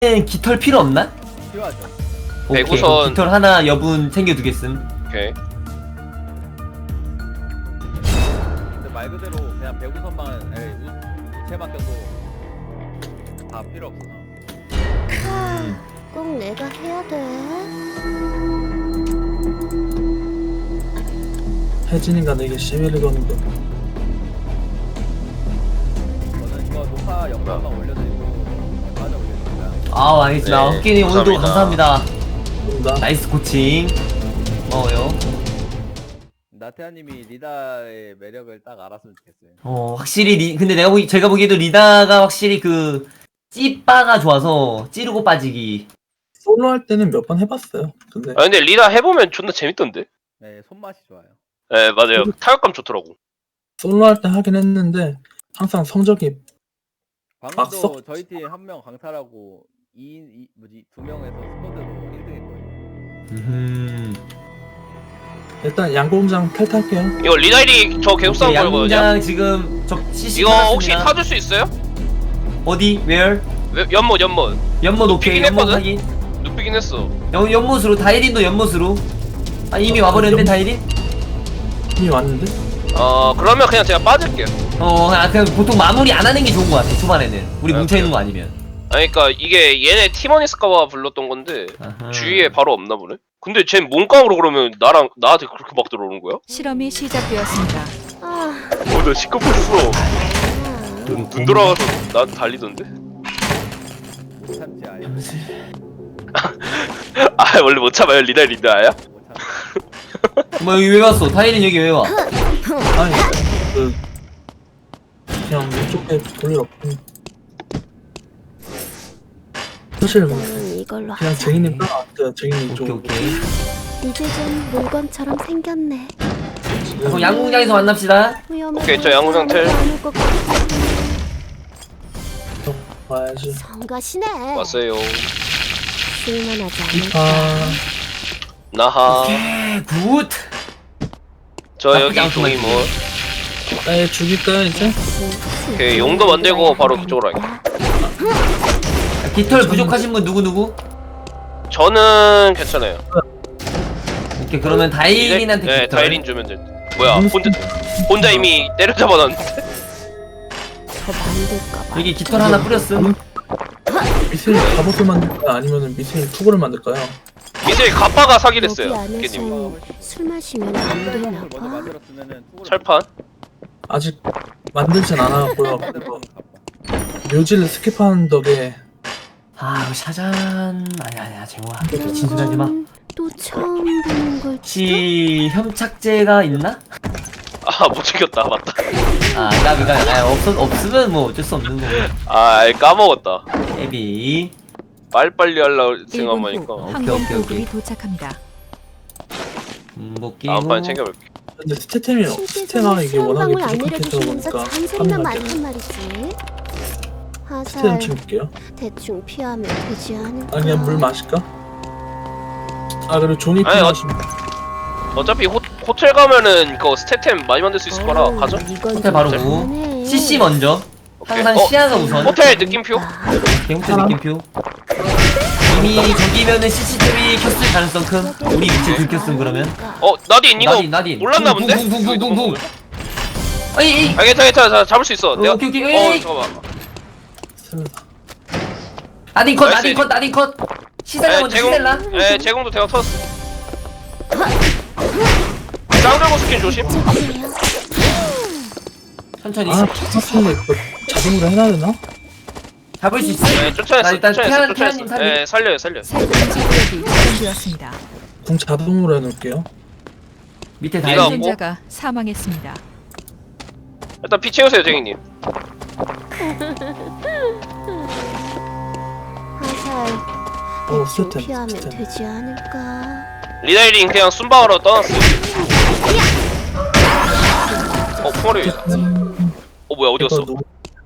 깃털 필요 없나? 필요하죠. 오케이. 우선- 깃털 하나 여분 챙겨두겠음. 오케이. 근데 말 그대로 그냥 배구선만 우체만 껴도 다 필요 없구나. 꼭 내가 해야 돼. 혜진이가 내게 시비를 거는 거. 저는 이거 녹화 영상만 올려드리고 빠져 올려드릴까요? 아, 알겠습니다. 네, 헛기님 오늘도 감사합니다. 감사합니다. 뭔가 나이스 코칭. 고마워요. 나태아님이 리다의 매력을 딱 알았으면 좋겠어요. 확실히 근데 제가 보기에도 리다가 확실히 그 찌빠가 좋아서 찌르고 빠지기. 솔로 할 때는 몇 번 해봤어요. 근데 아 근데 리나 해보면 존나 재밌던데. 네, 손맛이 좋아요. 네 맞아요. 타격감 좋더라고. 솔로 할 때 하긴 했는데 항상 성적이 방금도 썩- 저희 팀 한 명 강탈하고 2명에서 스쿼드로 1등했거든요. 일단 양궁장 탈탈게요. 이거 리나일이 저 계속 싸움 걸거든요. 양궁장 지금 저 CC 이거 혹시 받았습니다. 타줄 수 있어요? 어디? Where? 연못 연못 오케이. 눕히긴 연못 했거든? 확인. 눕히긴 했어. 연못으로 다이린도 연못으로. 아 이미 와버렸는데 연- 다이린? 이미 왔는데? 그러면 그냥 제가 빠질게요. 그냥 보통 마무리 안 하는 게 좋은 것 같아 초반에는. 우리 아, 뭉쳐 있는 거 아니면. 아니 그니까 이게 얘네 팀원 있을까봐 불렀던 건데 아하. 주위에 바로 없나 보네? 근데 쟨 몸깡으로 그러면 나한테 그렇게 막 들어오는 거야? 실험이 시작되었습니다. 아, 나 시끄럽었어. 눈 돌아가서 나한테 달리던데? 못 참지 아예. 아 원래 못 참아요? 리나야? 못 참. 뭐 여기 왜 왔어? 다이린 여기 왜 와? 아니 그 그냥 왼쪽에 볼일 없고 사실 나는 이걸로 그냥 하자. 쟁이님 따라왔어요. 쟁이님 오케이 쪽. 오케이. 이제 좀 물건처럼 생겼네. 그럼 양궁장에서 만납시다. 오케이, 저 양궁장 텔. 와야지. 성가시네. 왔어요. 쓸만하지 않을까. 아 나하. 오케이 굿. 저 나쁘지 여기 않구만. 종이 뭐. 에 죽일까요 이제? 오케이, 용도 만들고 바로 그쪽으로 깃털 부족하신 분 누구? 저는 괜찮아요. 오케이 그러면 다이린한테 네, 깃털. 다이린 주면 돼. 뭐야? 혼자 이미 때려잡아놨는데. 더 만들까 봐. 여기 깃털 하나 뿌렸음. 미세일 갑옷을 만들까요? 아니면은 미세일 투구를 만들까요? 이제 가빠가 사기를 여기 했어요. 깨님. 안에서 술 마시면 안 되나 을 먼저 봐. 만들었으면은 투구를 철판? 아직 만들진 않았고요. 만들었으면 갚아. 묘지를 스킵하는 덕에 이거 샤잔 아니야 재호아 미친 소리 하지 마. 또 처음 보는 걸지도. 혹시 협착제가 있나? 못 챙겼다. 맞다. 나비가 없으면 뭐 어쩔 수 없는 거고. 까먹었다. 애비. 빨리빨리 하려고 1분 생각하니까. 후 오케이, 항공 오케이, 보급이 오케이. 도착합니다. 복귀. 다음판에 챙겨볼게. 근데 스테템이 스테마가 이게 워낙에 부족해서 보니까 잔소리만 하는 많단 것 말이지. 스테템 화살 챙길게요. 대충 피하면 되지 않을까. 아니야 물 마실까? 그리고 종이 아니, 필요하시면 어차피 호텔 가면은 그거 스태템 많이 만들 수 있을 거라 가죠? 호텔 바로 구. CC 먼저. 항상 오케이. 시야가 우선. 호텔 느낌표? 호텔 느낌표. 이미 저기면은 CCTV 켰을 가능성 큰. 우리 위치 들켰음 그러면. 나딘 이거 나딘. 몰랐나 본데? 붕붕붕붕붕붕. 에이. 괜찮아 잡을 수 있어. 내가 오케이. 에이. 잠깐만. 나딘 컷. 시셀라 먼저 시셀라. 제공도 대박 터졌어. 짱들고 스킨 조심. 천천히. 사실 이거 자동으로 해놔야 되나? 잡을 수 있어. 네, 쫓아냈어. 나 일단 쫓아냈어. 태아님 살리. 네, 살려요. 새 금지 구역이 지정되었습니다. 궁 자동으로 해놓을게요. 밑에 네가 다이린. 뭐? 생존자가 사망했습니다. 일단 피 채우세요, 쟁이님. 화살 대충 스테템, 피하면 스테템. 되지 않을까. 리다이링 그냥 순방으로 떠났어요. 풍어리. 뭐야 어디 갔어? 이거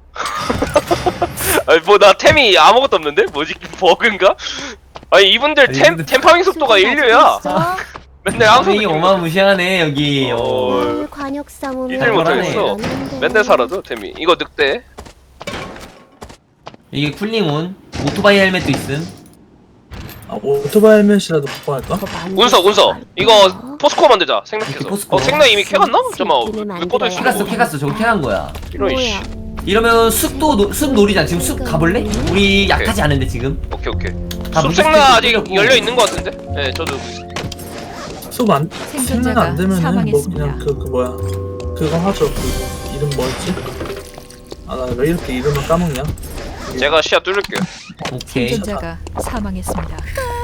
나 템이 아무것도 없는데? 뭐지? 버그인가? 아니 이분들 템 파밍 속도가 인류야. 맨날 항상 이게 어마무시하네 여기. 오늘 관역 싸움을 이들 못하겠어. 맨날 사라져 템이. 이거 늑대. 이게 쿨링온 오토바이 헬멧도 있음. 아 오토바이 헬멧이라도 갖고 갈까? 운석 이거 포스코 만들자 생각해서. 오케이, 포스코. 생나 이미 캐갔나? 잠깐만 왜 꺼져 있어? 캐갔어 저거 캐간 거야. 이런 씨. 이러면 숲 놀이장 지금 숲 가볼래? 우리 약하지 않은데 지금. 오케이. 다 숲생나 아직 물색도 열려 있는 것 같은데? 네, 저도. 수안 생각 안 되면은 뭐 사망했습니다. 그냥 그 뭐야 그거 하죠. 그 이름 뭐였지? 아 나 왜 이렇게 이름을 까먹냐? 제가 시야 뚫을게요. 오케이. 생존자가 사망했습니다.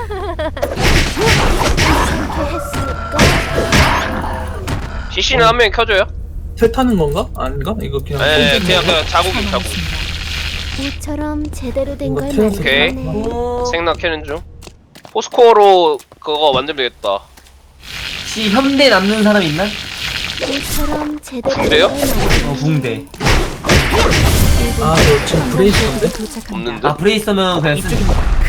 CC는 한 명 켜줘요? 텔 타는 건가? 아닌가? 이거 그냥 네, 그냥 자국. 모처럼 제대로 된 걸 이거 오케이. 만들었네. 오. 생나 캐는 중. 포스코로 그거 만들면 되겠다. 혹시 현대 남는 사람 있나? 모처럼 제대로 된 그래요? 걸 만들었네. 붕대. 아, 저 지금 브레이스인데? 없는데? 아 브레이스면 그냥 쓰.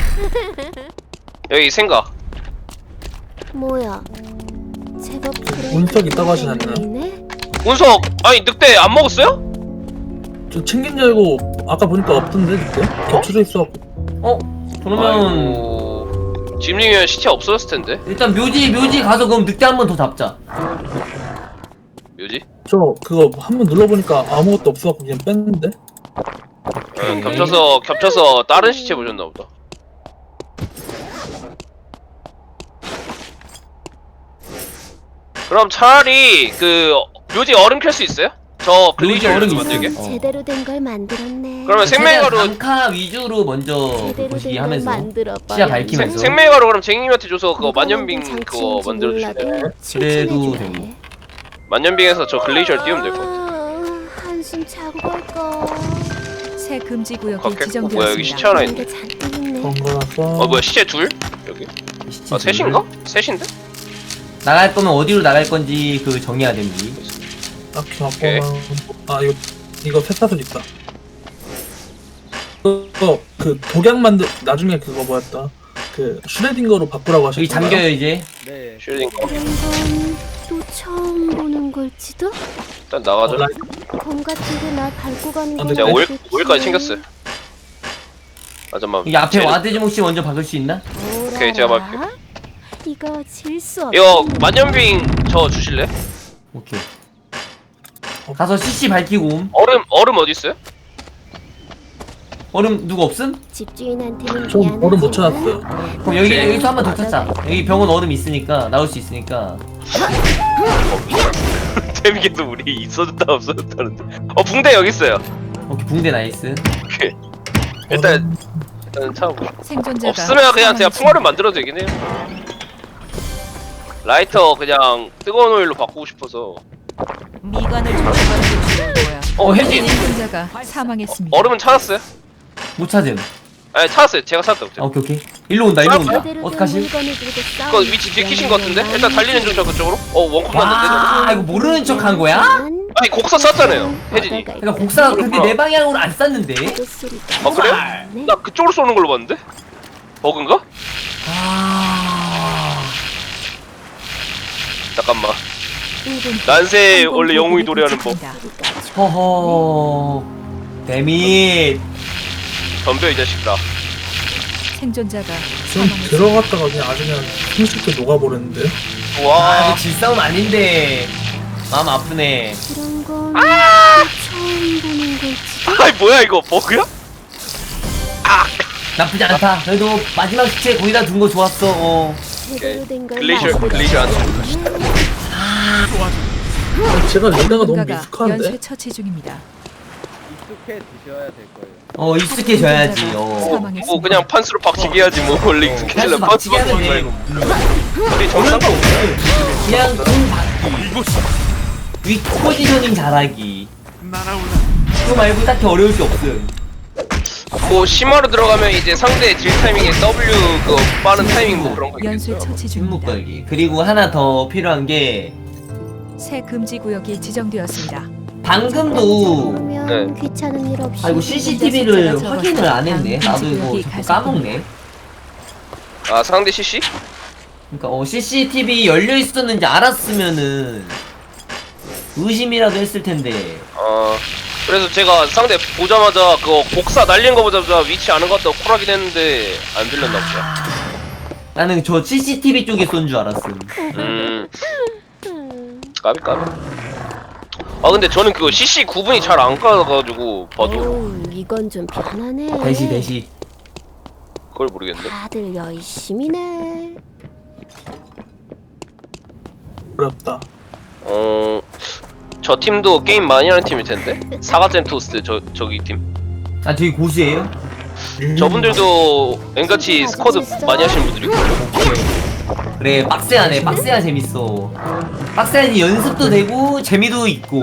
여기 생가. 뭐야? 제법 운석 있다고 하진 않나요? 보이네? 운석 아니 늑대 안 먹었어요? 저 챙긴 줄 알고 아까 보니까 없던데 그때? 겹쳐져 있어갖고 어? 그러면 아이고. 짐링이면 시체 없어졌을 텐데. 일단 묘지 가서 그럼 늑대 한 번 더 잡자. 뭐지? 저 그거 한번 눌러보니까 아무것도 없어갖고 그냥 뺐는데? 겹쳐서 다른 시체 보셨나 보다. 그럼 차라리 그 묘지 얼음 캘 수 있어요? 저 묘지 글리저 얼음 만들게. 있어. 제대로 된 걸 만들었네. 그러면 생명가루 단카 위주로 먼저 제대로 보시기 된 걸 하면서 만들어봐. 시야 밝히면서. 생명가루 그럼 쟁이님한테 줘서 그거 만년빙 그거 만들어 주실래요? 그래도 되고. 만년빙에서 저 글레이저를 띄우면 될 것 같아. 한숨 자고 갈까? 새 금지 구역이 걷겠고 뭐야 여기 시체 지정되었습니다. 하나 그런 있네. 게 잔뜩 있네. 번거라서 뭐야 시체 둘? 여기? 시체 아 셋인가? 셋인데? 나갈 거면 어디로 나갈 건지 그 정해야 됩니다. 딱히 오케이. 갖고만 아 이거 쇠사슬 있다. 그거 그 독약 만들 나중에 그거 뭐였다 그 슈레딩거로 바꾸라고 하셨잖아요. 여기 잠겨요 이제. 네. 쉴딩 이런 건 또 처음 보는 걸지도? 일단 나가자. 검 같은 게 날 밟고 가는 아, 건 근데 제가 네. 오일까지 챙겼어요. 아 잠깐만. 여기 앞에 쟤는- 와드 좀 혹시 먼저 박을 수 있나? 오케이, 제가 막을게요. 이거 질 수 없. 이거 만년빙 저 주실래? 오케이. 가서 CC 밝히고 옴. 얼음 어디 있어요? 얼음 누구 없음? 집주인한테는 좀 미안하지만 얼음 못 찾았어요. 그럼 여기서 한 번 더 찾자. 여기 병원 얼음 있으니까 나올 수 있으니까. 재밌게도 우리 있어졌다 없어졌다는데. 붕대 여기 있어요. 오케이 붕대 나이스. 오케이. 일단 참고. 생존자가 없으면 그냥 제가 풍화를 만들어도 되긴 해요. 라이터 그냥 뜨거운 오일로 바꾸고 싶어서. 미관을 조심하는 게 좋을 거야. 혜진 생존자가 사망했습니다. 얼음은 찾았어요? 못 찾음. 아니 찾았어요. 제가 찾았다고. 아, 오케이. 일로 온다. 제대로 된 어떡하실? 물건을 들고 그거 싸우는 위치 들키신 것 같은데? 미안해. 일단 달리는 중 저 그쪽으로. 원콤 났는데. 와 이거 모르는 척 한 거야? 아니 곡사 쐈잖아요. 혜진이. 그러니까 곡사 근데 내 방향으로 안 쐈는데. 아 그래요? 나 그쪽으로 쏘는 걸로 봤는데? 버그인가? 아. 잠깐만. 난세 원래 영웅이 노래하는 법. 허허. 데밋. 덤벼 이 자식들아. 생존자가 좀 사망했습니다. 들어갔다가 그냥 아주 그냥 손쉽게 녹아버렸는데. 아 와. 이거 질싸움 아닌데. 마음 아프네. 이런 건 처음 보는 걸지. 아이 뭐야 이거 버그야? 나쁘지 않다. 그래도 마지막 시체 거기다 둔 거 좋았어. 어. 제대로 된걸 글레이저 안 써. 제가 리다가 너무 누군가가 미숙한데. 연쇄 처치 중입니다. 익숙해 드셔야 될 거예요. 익숙해져야지. 사망했습니다. 뭐 그냥 판수로 박치기 해야지 뭐 원래 익숙해질라 판수 박치기 박치기 하면 말고. 돼. 우리 정상 거 없어요. 그냥 공 받기. 위 포지셔닝 잘하기. 그거 말고 딱히 어려울 게 없음. 뭐 심화로 들어가면 이제 상대 딜 타이밍에 W 그 빠른 타이밍 뭐 그런 거 연쇄 있겠죠. 처치 침묵 중입니다. 걸기. 그리고 하나 더 필요한 게 새 금지 구역이 지정되었습니다. 방금도 그러면 귀찮은 일 없이 아이고 CCTV를 확인을 안 했네. 나도 이거 자꾸 까먹네. 아 상대 CC? 그러니까 CCTV 열려 있었는지 알았으면은 의심이라도 했을 텐데. 그래서 제가 상대 보자마자 그거 복사 날린 거 보자마자 위치 아는 것 같다고 콜하긴 했는데 안 들렸나 보다. 나는 저 CCTV 쪽에 쏜 줄 알았음. 까비. 아 근데 저는 그거 CC 구분이 잘 안 가가지고 봐도 오, 이건 좀 편하네. 대시. 그걸 모르겠네. 다들 열심히네. 어렵다. 저 팀도 게임 많이 하는 팀일 텐데. 사과잼 토스트 저기 팀. 아 되게 고수예요? 저분들도 앵같이 스쿼드 많이 하시는 분들이고. 오케이. 그래 빡세하네. 빡세야 재밌어. 빡세야니 연습도 되고 재미도 있고.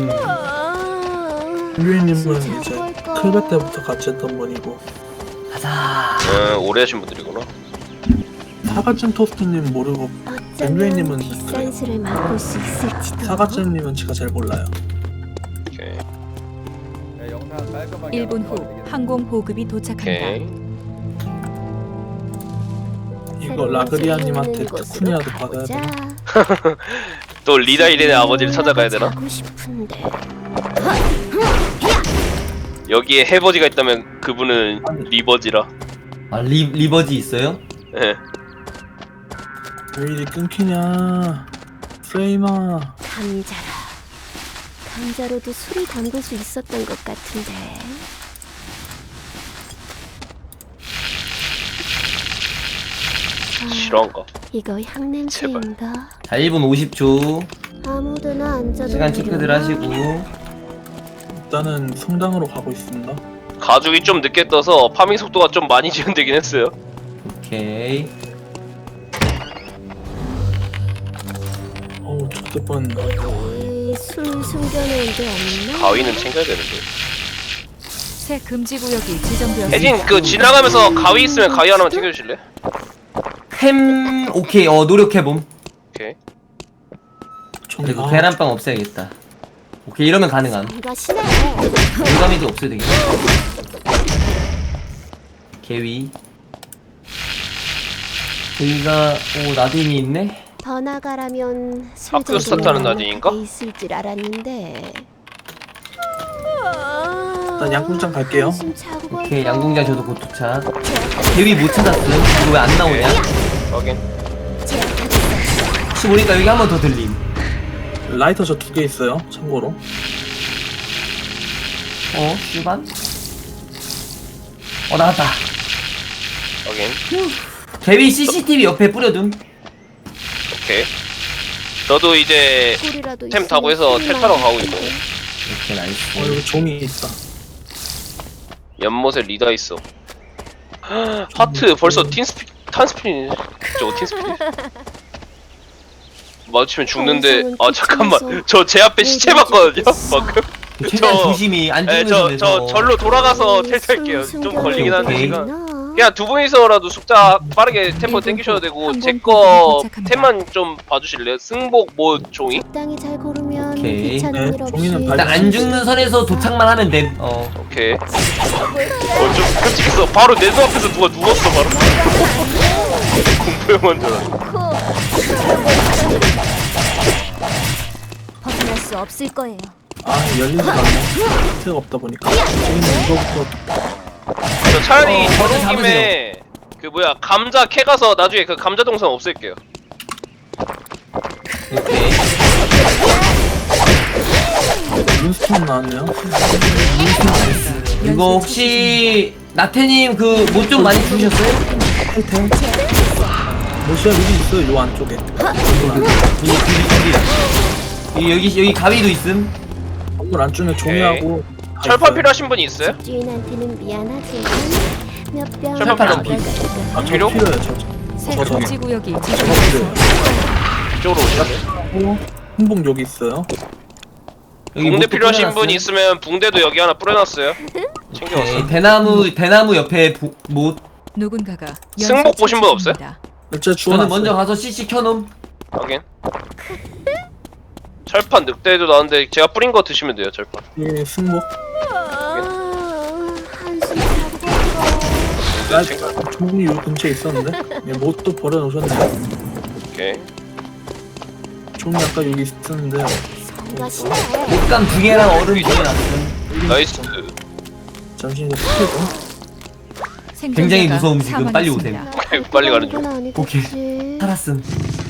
유이님은 이제 클베 때부터 같이 했던 분이고 가자. 오래 하신 분들이구나. 사과잼 토스트님 모르고 엠블레이님은 비싼 그래요. 술을 맛볼 수 있을지도. 사과잼님은 제가 잘 몰라요. 오케이. 야, 영상 깔끔하게 1분 한번 후 봐야 항공 보급이 도착한다. 오케이. 이거 라그리아님한테 특훈이라도 받아야 돼. 또 리다 이렌의 아버지를 찾아가야 되나? 자고 싶은데. 여기에 해버지가 있다면 그분은 리버지라. 아 리버지 있어요? 예. 왜 이리 끊기냐 프레이마. 감자라. 감자로도 술을 담글 수 있었던 것 같은데. 실화인가? 이거 향냄새인가? 자 1분 50초. 아무데나 앉아도 시간 체크들 되려나? 하시고. 일단은 성당으로 가고 있습니다. 가죽이 좀 늦게 떠서 파밍 속도가 좀 많이 지연되긴 했어요. 오케이. 어우 저때 뻔. 술 숨겨놓은 데 없나? 가위는 챙겨야 되는데. 새 금지 구역이 지정되었습니다. 혜진 그 지나가면서 가위 있으면 가위 하나만 챙겨주실래? 햄 오케이 노력해봄. 오케이. 그리고 계란빵 없애야겠다. 오케이 이러면 가능함. 이거 신해. 공감이도 없어야 되겠네. 개위. 개위가 오 나딘이 있네. 더 나가라면 학교 스타트하는 나딘인가? 있을 줄 알았는데. 일단 양궁장 갈게요. 한숨 자고 오케이 갈까? 양궁장 저도 곧 도착. 개위 못 찾았음. 이거 왜 안 나오냐? 확인. 혹시 모르니까 여기 한 번 더 들림. 라이터 저 2개 있어요. 참고로. 슈반? 나왔다. 확인. 개위 CCTV 옆에 뿌려둠. 오케이. 저도 이제 꿀이라도 템 타고 해서 텔 타러 가고 있어요. 오케이 나이스. 여기 종이 있다. 연못에 리다 있어. 하트 벌써 탄스피니 저거 틴스피니 마주치면 죽는데 잠깐만 저 제 앞에 시체 봤거든요 방금. 최대한 조심히 안 죽는 저 선에서. 절로 돌아가서 텔 탈게요. 좀 걸리긴 하는데 오케이. 시간. 그냥 두 분이서라도 숙자 빠르게 템포 땡기셔도 되고 제 거 템만 좀 봐주실래요? 승복 뭐 종이? 적당히 잘 고르면 오케이. 귀찮은 네, 일 없이. 종이는 일단 안 죽는 선에서 도착만 하면 됨. 오케이. 좀 끔찍했어. 바로 내 눈앞에서 누가 누웠어 바로. 공포영화인 줄 알았어. 벗어날 수 없을 거예요. 열리지가 않네. 힌트가 없다 보니까. 종이는 이거부터 저 차라리 저를 저런 김에 그 뭐야 감자 캐 가서 나중에 그 감자 동산 없앨게요. 오케이. 룬스톤 나왔네요. 이거 혹시 나태님 그 못 좀 많이 주셨어요? 텔템. 모시아 여기 있어요. 요 안쪽에. 여기 가위도 있음. 건물 안쪽에 종이하고 다 철판 있어요. 필요하신 분이 있어요? 주인한테는 미안하지만 몇병 철판 안 아, 필요? 저 필요해요. 새 저거. 금지 구역이 저거 지정되었습니다. 필요해요. 이쪽으로 오시면. 흥봉 여기 있어요. 여기 붕대 못도 필요하신 뿌려놨어요. 분 있으면 붕대도 여기 하나 뿌려놨어요. 챙겨왔어. 오케이. 대나무 옆에 못. 누군가가 승복 보신 분 없어요? 일제 저는 주워놨어요. 먼저 가서 CC 켜놓음. 확인. 철판 늑대도 나왔는데 제가 뿌린 거 드시면 돼요. 철판. 예, 승복. 한숨 자고 갈까? 아, 종이 요 근처에 있었는데. 예, 못도 버려놓으셨네요. 오케이. 종이 아까 여기 있었는데. 성가시네. 옷감 2개랑 얼음 뿌려놨음. 나이스. 잠시 이제 풀고. 굉장히 생존자가 무서움 지금. 빨리 사망했습니다. 빨리 가는 중. 건 아니겠지. 살았음.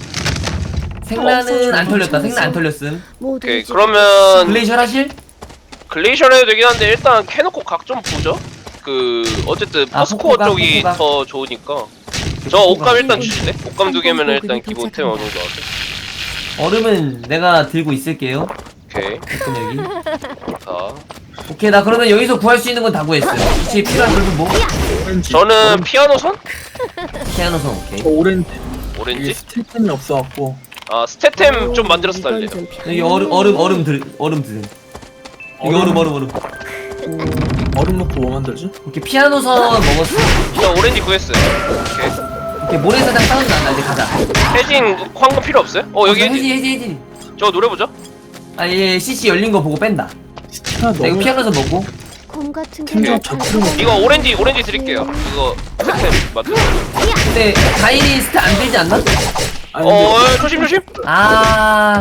생란은 안 털렸다. 생란 안 털렸음. 오케이, 모두 그러면 글레이셜 하실? 글레이셔를 해도 되긴 한데 일단 캐놓고 각 좀 보죠. 그 어쨌든 아, 포스코어 포코가, 쪽이 포코가. 더 좋으니까. 저 옷감 일단 주실래? 옷감 두 개면 일단 기본템 어느 정도 하고. 얼음은 내가 들고 있을게요. 오케이. 여기. 자, 오케이, 나 그러면 여기서 구할 수 있는 건 다 구했어요. 혹시 필요한 걸좀 뭐? 오렌지. 저는 피아노 선? 피아노선 오케이. 저 오렌지. 이게 오렌지? 스틸템이 없어갖고. 아 스태템 좀 만들어서 달래요. 여기 얼음 드세요. 여기 얼음. 얼음 넣고 뭐 만들지? 오케이, 피아노선 먹었어. 저 오렌지 구했어요. 오케이. 오케이, 모래사장 사운드 난다. 이제 가자. 해진 황금 필요 없어요? 여기 해진. 해지. 저 노래 보죠. 아, 얘 CC 열린 거 보고 뺀다. 하나 나 이거 넣으면 피아노선 먹고. 곰 같은 게 팀장 나타나. 잡히는 이거 오렌지 드릴게요. 이거 스태템 맞죠? 근데 다일이 스타 안 들지 않나? 아니 근데 조심. 아,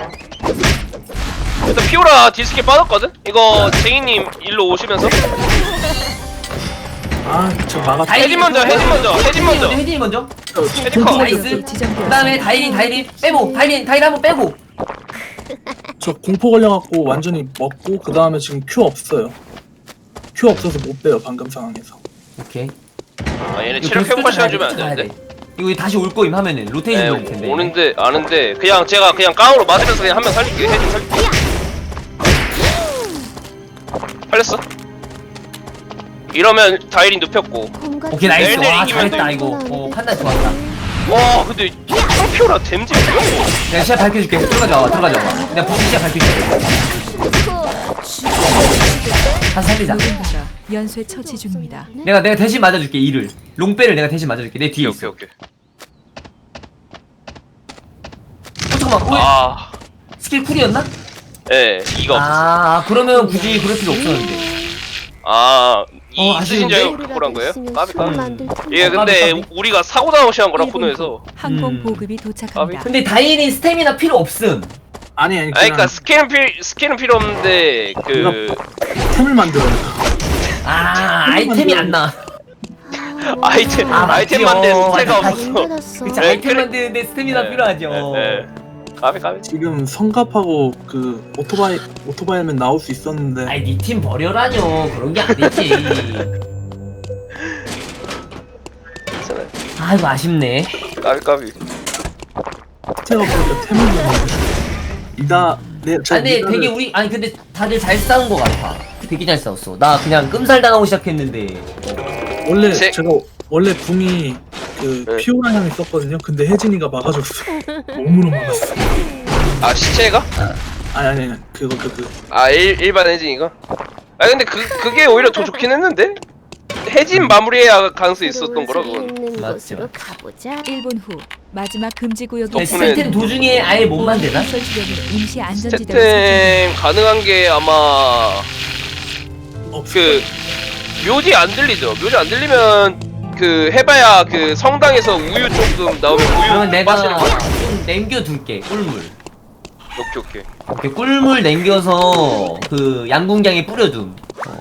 일단 피오라 디스켓 빠졌거든? 이거 쟁이님 일로 오시면서 저 막았다. 해진 먼저. 해진이 먼저. 헤디커. 나이스. 지정되었습니다. 그다음에 다일이 빼고. 다일 한번 빼고. 저 공포 걸려갖고 완전히 먹고 그 다음에 지금 큐 없어요. 큐 없어서 못 빼요 방금 상황에서. 오케이. 아 얘네 이거 체력 계속 회복할 시간 쫓아가야 주면 안 돼, 쫓아가야 되는데? 돼. 이거 다시 올 거임 하면은 로테이션 돌릴 텐데. 오는데 아는데 그냥 제가 그냥 깡으로 맞으면서 그냥 한 명 살릴게요. 해진 살릴게. 살렸어? 이러면 다이린 눕혔고. 곰 같은 오케이, 나이스. 내일 와, 이기면 잘했다 돼. 이거. 판단 좋았다. 와 근데 피오라 댐지 뭐야? 내가 시야 밝혀줄게. 들어가자. 내가 부시 시야 밝혀줄게. 한 살리자. 누군가가 연쇄 처치 중입니다. 내가 대신 맞아줄게. 이를 롱배를 내가 대신 맞아줄게. 내 뒤에 있어. 오케이. 잠깐만. 아, 스킬 쿨이었나? 예, 이가 없었어. 그러면 굳이 그럴 필요 없었는데. 이 쓰신 아쉬운데? 줄 알고 한 거예요? 까비. 만들 예, 근데 까비. 우리가 사고 당시한 거라 코너에서. 항공 보급이 도착합니다. 근데 다일이 스태미나 필요 없음. 아니 그러니까 스킬은 필요 없는데 템을 만들어요. 아이템이 안 나. 아이템 맞지요. 만드는 스태가 맞아. 없어. 그치, 네, 아이템 그래. 만드는데 스태미나 네, 필요하죠. 네. 까비. 지금 성갑하고 그 오토바이면 나올 수 있었는데. 아이, 니 팀 버려라뇨. 그런 게 아니지. 아이고, 아쉽네. 까비. 제가 보니까 템을 만들어. 근데 되게 근데 다들 잘 싸운 거 같아. 되게 잘 싸웠어. 나 그냥 끔살 당하고 시작했는데. 원래 제- 제가 원래 궁이 그 네. 피오라 향이 있었거든요. 근데 혜진이가 막아줬어. 몸으로 막았어. 아 시체가? 아니 그거 일반 혜진이가? 근데 그게 오히려 더 좋긴 했는데? 혜진 마무리해야 가능성이 있었던 거라 그건. 있는 맞죠. 곳으로 가보자. 1분 후 마지막 금지 구역이 덕분에- 스태템 도중에 아예 못 만드나? 설치되는 임시 안전지대로 스태템 가능한 게 아마 그 묘지 안 들리죠? 묘지 안 들리면 그 해봐야 그 성당에서 우유 조금 나오면 그러면 우유 내가 마시는 거. 좀 남겨둘게. 꿀물. 오케이. 이렇게 꿀물 남겨서 그 양궁장에 뿌려둠.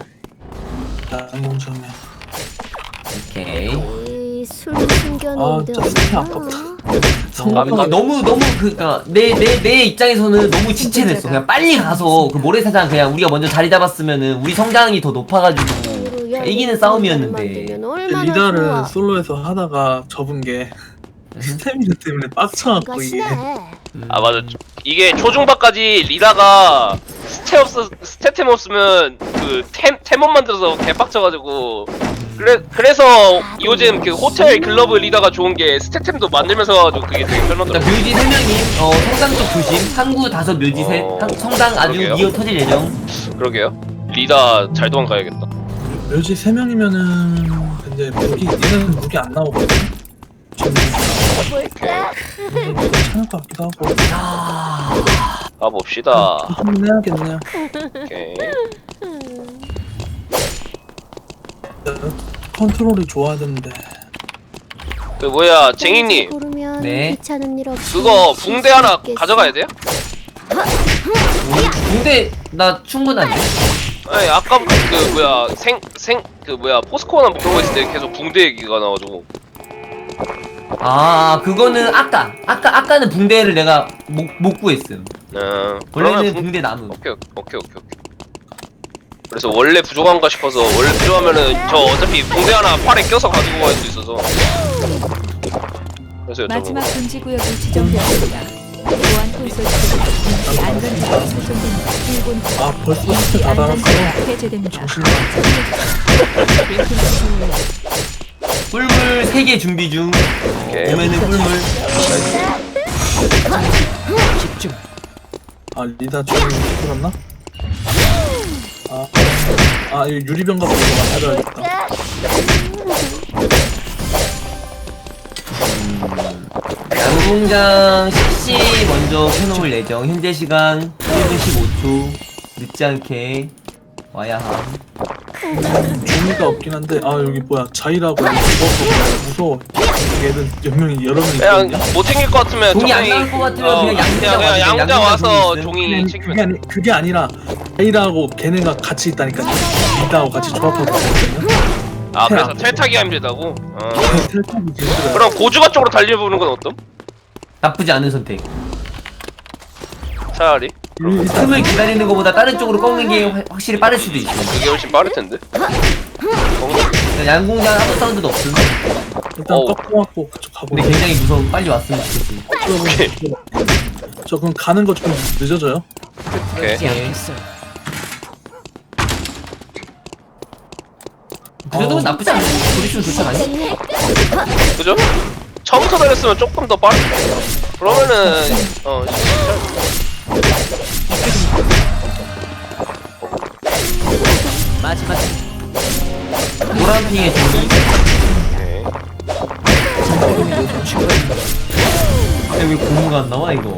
양궁장에. 오케이. 술 숨겨놓은 데 진짜 스태 없나? 그러니까 너무 그니까 내 입장에서는 너무 지체됐어. 그냥 빨리 가서 그 모래사장 그냥 우리가 먼저 자리 잡았으면은 우리 성장이 더 높아가지고 이기는 싸움이었는데. 리다를 솔로에서 하다가 접은 게 스태미나 때문에 빡쳐갖고 이게. 맞아. 이게 초중반까지 리다가 스태템 없으면 그 템못 만들어서 개빡쳐가지고 그래서 요즘 그 호텔 글러브 리다가 좋은 게 스태템도 만들면서 가지고 그게 되게 자, 편하더라고. 묘지 3명이 성당 쪽 조심. 항구 5 묘지 셋. 성당 아주 그러게요. 미어 터질 예정. 그러게요. 리다 잘 도망가야겠다. 묘지 3명이면은 근데 얘는 무기 안 나오거든. 좀 괜찮을 것 같기도 하고. 가봅시다. 한번 해야겠네요. 오케이. 컨트롤이 좋아야 되는데. 그 뭐야 쟁이님 네. 귀찮은 일 없이 그거 쉴 붕대 수 하나 있겠어. 가져가야 돼요? 근데 나 충분한데? 아니 아까부터 그 뭐야 그 뭐야 포스코나 뭐 그런 거 있을 때 계속 붕대 얘기가 나와가지고. 아 그거는 아까는 붕대를 내가 못 구했음. 원래는 그러면 붕대 남음. 오케이. 그래서 원래 부족한가 싶어서 원래 필요하면은 저 어차피 붕대 하나 팔에 껴서 가지고 갈 수 있어서. 그래서 마지막 여쭤본 금지 구역이 지정되었습니다. 보안 콘솔 쪽은 안전지가 설정됩니다. 일본 아 벌써 스텝 다 안전지가 달았어. 해제됩니다. 정신이 꿀물 3개 준비 중. 오케이. 오면은 꿀물. 아 리다 주인 들었나? 아 이거 유리병 같은 거 만들어야겠다. 양궁장 10시 먼저 켜놓을 예정. 현재 시간 1분 15초. 늦지 않게 와야 함. 종이가 없긴 한데 아 여기 뭐야 자이라고 여기 무서워. 얘는 연명이 여러 명이 그냥 있거든요. 못 챙길 것 같으면 종이 안 적당히 나올 것 같으면 그냥 양궁장 그냥 와서 양궁장 와서 종이 종이 아니, 챙기면 돼. 그게 아니라 자이라고 걔네가 같이 있다니까. 리다하고 같이 조합하고 있거든요. 아 그래서 텔타기가 힘들다고? 텔탑이 제일 힘들어요. 그럼 고주가 쪽으로 달려보는 건 어떤? 나쁘지 않은 선택. 차라리 일단 틈을 기다리는 것보다 다른 쪽으로 꺾는 게 확실히 빠를 수도 있어. 그게 훨씬 빠를 텐데. 양궁장 아무 사운드도 없음. 일단 꺾어갖고 그쪽 가고. 근데 굉장히 무서워. 빨리 왔으면 좋겠지. 저 그럼 가는 거 좀 늦어져요. 오케이. 그래도 나쁘지 않아. 보리수는 좋지 않니? 그죠? 처음부터 달렸으면 조금 더 빠르. 그러면은 마지막 노란핑의 종이. 근데 왜 고무가 안 나와 이거?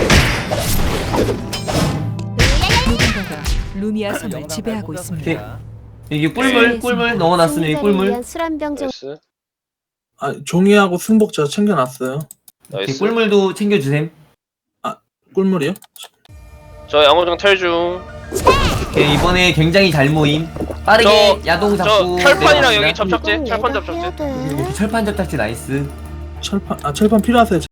누군가가 루미아 섬을 지배하고 있습니다. 이게 꿀물 넣어놨으면 이 꿀물. 술한병 정 나이스. 아 종이하고 승복 제가 챙겨놨어요. 이렇게 나이스. 꿀물도 챙겨주셈. 꿀물이요? 저 양호정 탈중. 오케이, 이번에 굉장히 잘 모임. 빠르게 야동 저 잡고. 철판이랑 내려갑니다. 여기 접착제. 이건 철판 내가 접착제. 해야 돼. 이렇게 철판 접착제 나이스. 철판 필요하세요?